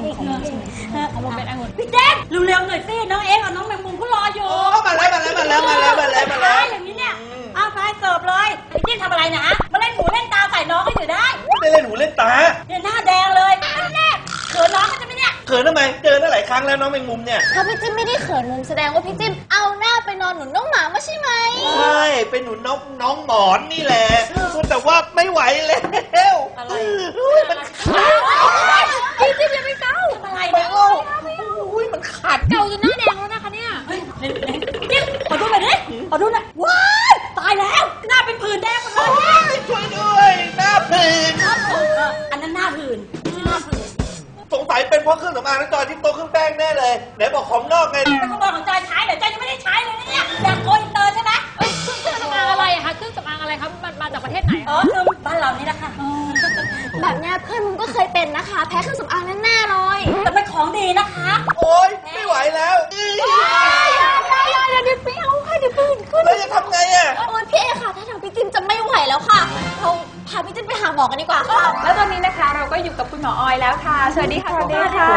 นี่ของจริงของผมเป็นองุ่นพี่เจนเร็วๆหน่อยสิน้องเอ็กกับน้องแมงมุมเขารออยู่มาแล้วอย่างนี้เนี่ยเอาไปเสิร์ฟเลยพี่เจนทำอะไรนะมาเล่นหูเล่นตาใส่น้องก็อยู่ได้ไม่ได้เล่นหูเล่นตาเนี่ยหน้าแดงเลยแน่เขินน้องก็จะไม่เนี่ยเขินทำไมเจอได้หลายครั้งแล้วน้องแมงมุมเนี่ยถ้าพี่จิ้มไม่ได้เขินมุมแสดงว่าพี่จิ้มเอาหน้าไปนอนหนุนน้องหมาไม่ใช่ไหมใช่เป็นหนุนน้องหมอนนี่แหละแต่ว่าไม่ไหวแล้วอะไรมันพี่จิ้มอย่าไปเกาอะไรเนี่ยมันขาดเกาจนหน้าแดงแล้วนะคะเนี่ยจิ๊บขอดูหน่อยดิขอดูหน่อยว้ายตายแล้วหน้าเป็นผื่นแดงหมดเลยช่วยด้วยหน้าผื่นอันนั้นหน้าผื่นไม่ใช่หน้าผื่นสงสัยเป็นเพราะเครื่องสำอางน้องจอยที่โตเครื่องแป้งแน่เลยไหนบอกของนอกไงเป็นขโมยของจอยใช้เดี๋ยวจอยยังไม่ได้ใช้เลยเนี่ยอยากโกยอินเตอร์ใช่ไหมเครื่องสำอางอะไรอะคะเครื่องสำอางอะไรครับมาจากประเทศไหนคือบ้านเรานี่นะคะแบบเนี้ยเพื่อนมึงก็เคยเป็นนะคะแพ้เครื่องสำอางแน่ๆเลยแต่เป็นของดีนะคะโอ๊ยไม่ไหวแล้วอย่าดิพี่เอาค่ะเดี๋ยวปืนขึ้นแล้วจะทำไงอะโอ๊ยพี่เอค่ะถ้าทางพี่จิ้มจะไม่ไหวแล้วค่ะเราพาพี่จิ้มไปหาหมอกันดีกว่าค่ะแล้วตอนนี้นะคะเราก็อยู่กับคุณหมอออยแล้วค่ะสวัสดีค่ะสวัสดีค่ะ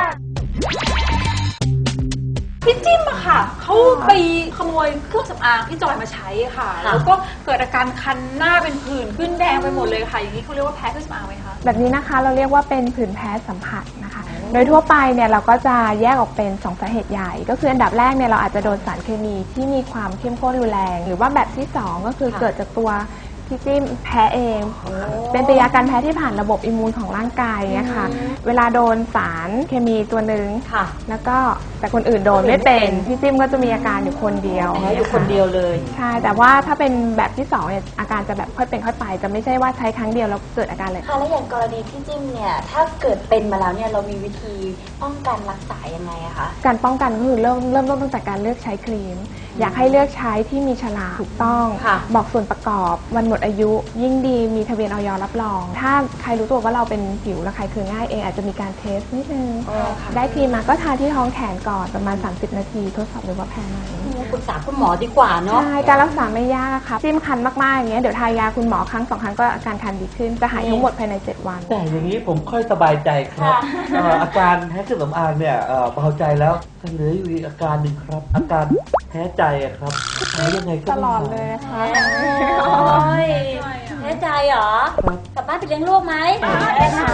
พี่จิ้มอะค่ะเขาไปขโมยเครื่องสำอางพี่จอยมาใช้ค่ะแล้วก็เกิดอาการคันหน้าเป็นผื่นขึ้นแดงไปหมดเลยค่ะอย่างนี้เขาเรียกว่าแพ้เครื่องสำอางไหมคะแบบนี้นะคะเราเรียกว่าเป็นผื่นแพ้สัมผัสนะคะโดยทั่วไปเนี่ยเราก็จะแยกออกเป็น2สาเหตุใหญ่ก็คืออันดับแรกเนี่ยเราอาจจะโดนสารเคมีที่มีความเข้มข้นรุนแรงหรือว่าแบบที่2ก็คือเกิดจากตัวพี่จิ้มแพ้เองเป็นปฏิกิริยาการแพ้ที่ผ่านระบบอิมมูนของร่างกายเนี่ยค่ะเวลาโดนสารเคมีตัวหนึ่งแล้วก็แต่คนอื่นโดนไม่เป็นพี่จิ้มก็จะมีอาการอยู่คนเดียวอยู่คนเดียวเลยใช่แต่ว่าถ้าเป็นแบบที่2เนี่ยอาการจะแบบค่อยเป็นค่อยไปจะไม่ใช่ว่าใช้ครั้งเดียวแล้วเกิดอาการเลยค่ะแล้วอย่างกรณีพี่จิ้มเนี่ยถ้าเกิดเป็นมาแล้วเนี่ยเรามีวิธีป้องกันรักษายังไงอะคะการป้องกันก็คือเริ่มต้นตั้งแต่การเลือกใช้ครีมอยากให้เลือกใช้ที่มีฉลากถูกต้องบอกส่วนประกอบวันหมดอายุยิ่งดีมีทะเบียนอย.รับรองถ้าใครรู้ตัวว่าเราเป็นผิวระคายเคืองง่ายเองอาจจะมีการเทสนิดนึงได้ครีมมาก็ทาที่ท้องแขนก่อนประมาณ30 นาทีทดสอบดูว่าแพ้ไหมปรึกษาคุณหมอดีกว่าเนาะใช่การรักษาไม่ยากค่ะจิ้มคันมากๆอย่างเงี้ยเดี๋ยวทายาคุณหมอครั้ง2 ครั้งก็อาการคันดีขึ้นจะหายทั้งหมดภายใน7 วันแต่อย่างนี้ผมค่อยสบายใจครับอาการแพ้เครื่องสำอางเนี่ยเบาใจแล้วแต่เหลืออยู่อีกอาการหนึ่งครับอาการแพ้ใจครับหายยังไงก็ตลอดเลยค่ะแพ้ใจเหรอกลับบ้านไปเลี้ยงลูกไหมได้ค่ะ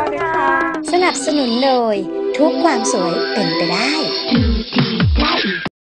สนับสนุนโดยทุกความสวยเป็นไปได้